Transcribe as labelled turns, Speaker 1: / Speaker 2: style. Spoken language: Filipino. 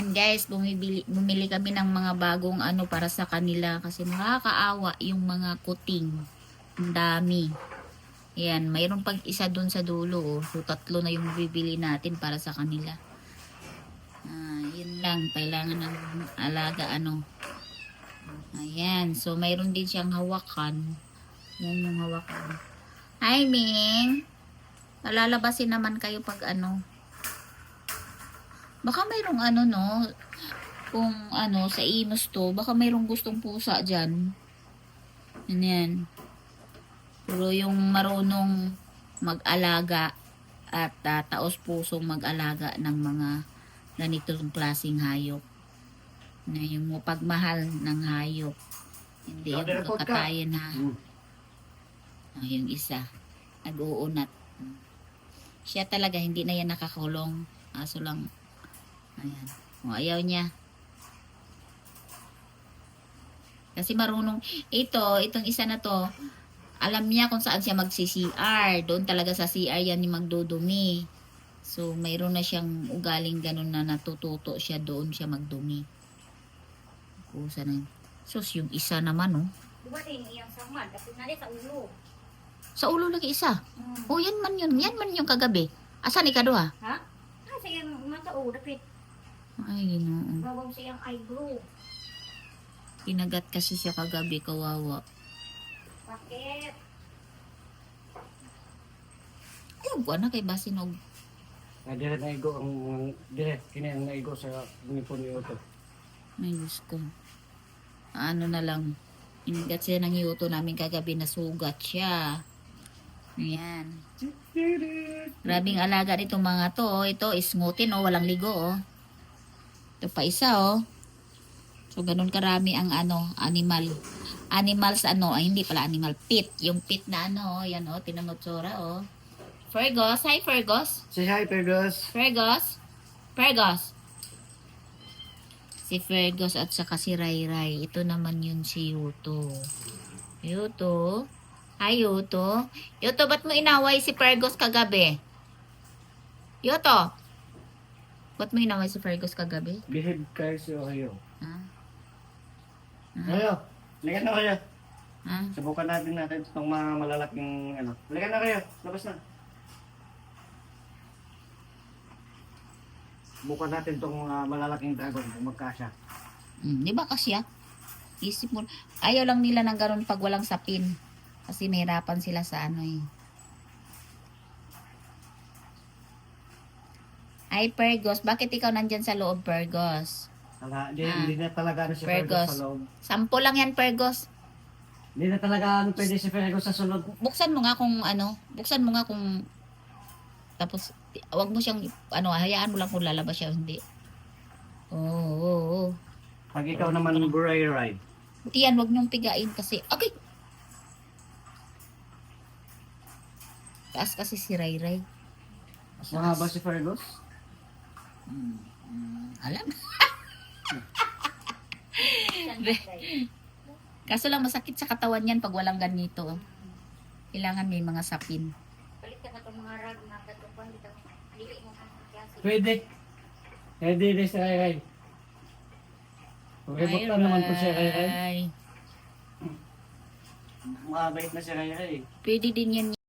Speaker 1: Ayan guys, bumili kami ng mga bagong ano para sa kanila kasi nakakaawa yung mga kuting. Ang dami. Ayan, mayroon pag isa dun sa dulo. Oh. So, 3 na yung bibili natin para sa kanila. Yun lang. Kailangan ng alaga ano. Ayan. So, mayroon din siyang hawakan. Yan yung hawakan. Hi, Ming! Malalabasin naman kayo pag ano. Baka mayroong ano, no? Kung ano, sa Imus to, baka mayroong gustong pusa dyan. Yan. Pero yung marunong mag-alaga at taos pusong mag-alaga ng mga ganitong klaseng hayop. Na yung pagmahal ng hayop. Hindi yung kakatayin ha. Yung isa. Nag-uunat. Siya talaga, hindi na yan nakakulong. Aso lang. Ayan. O, ayaw niya. Kasi marunong. Itong isa na to, alam niya kung saan siya magsi-CR. Doon talaga sa CR yan ni magdudumi. So, mayroon na siyang ugaling ganun na natututo siya doon siya magdumi. Kusa na yun. Sus, yung isa naman, oh.
Speaker 2: Dumating iyang samad. Kasi nari sa ulo.
Speaker 1: Sa ulo lagi isa. Oh, yan man yun. Yan man yung kagabi. Asan ikaduha?
Speaker 2: Ha? Ah, sayang mata o. Dapit.
Speaker 1: Ay, ginoo.
Speaker 2: Bawang siyang eyebrow.
Speaker 1: Kinagat kasi siya kagabi, kawawa.
Speaker 2: Bakit?
Speaker 1: Ayaw ko na kay Basinog.
Speaker 3: Dire na igo ang dire kini ang naigo sa nipon ni Otto.
Speaker 1: May Diyos ko. Ano na lang. Kinagat siya ng yuto namin kagabi, nasugat siya. Ayan. Grabing alaga nito mga to. Oh. Ito, isngutin, oh. Walang ligo, oh. Ito pa isa, oh. So, ganun karami ang ano, animal. Animals, ano, ay hindi pala animal. Pit. Yung pit na ano, oh. Yan, oh. Tinanotsura, oh. Fergus. Hi, Fergus.
Speaker 3: Say hi, Fergus.
Speaker 1: Fergus. Fergus. Si Fergus at saka si Ray. Ito naman yun si Yuto. Yuto. Hi, Yuto. Yuto, ba't mo inaway si Fergus kagabi? Yuto. Ba't mo inaway si Fergus kagabi?
Speaker 3: Behave kayo sa kayo.
Speaker 1: Ha?
Speaker 3: Kayo. Ligan na kayo.
Speaker 1: Ha?
Speaker 3: Subukan natin itong mga malalaking ano. Ligan na kayo. Labas na. Subukan natin itong malalaking dragon kung magkasya.
Speaker 1: Di ba kasya? Isip mo. Ayaw lang nila ng ganun pag walang sapin. Kasi mahirapan sila sa ano eh. Ay, Fergus. Bakit ikaw nandyan sa loob, Fergus?
Speaker 3: Hindi na talaga ano si
Speaker 1: Fergus.
Speaker 3: Fergus sa loob.
Speaker 1: 10 lang yan, Fergus.
Speaker 3: Hindi na talaga ano pwede si Fergus sa sulod.
Speaker 1: Buksan mo nga kung ano. Buksan mo nga kung... Tapos, wag mo siyang... Ano, hayaan mo lang kung lalabas siya. Hindi. Oo.
Speaker 3: Pag ikaw naman buray ride.
Speaker 1: Buti yan, wag niyong pigain kasi... Okay! Taas kasi si Ray Ray.
Speaker 3: Mas mahaba si Fergus.
Speaker 1: Alam. Kaso lang masakit sa katawan yan pag walang ganito. Kailangan may mga sapin.
Speaker 2: Palit ka na itong mga rag na katupan. Dili mo kang klase.
Speaker 3: Pwede. Pwede din si Ray Ray. Okay, bukta naman po si Ray Ray. Makabait na si Ray Ray.
Speaker 1: Pwede din yan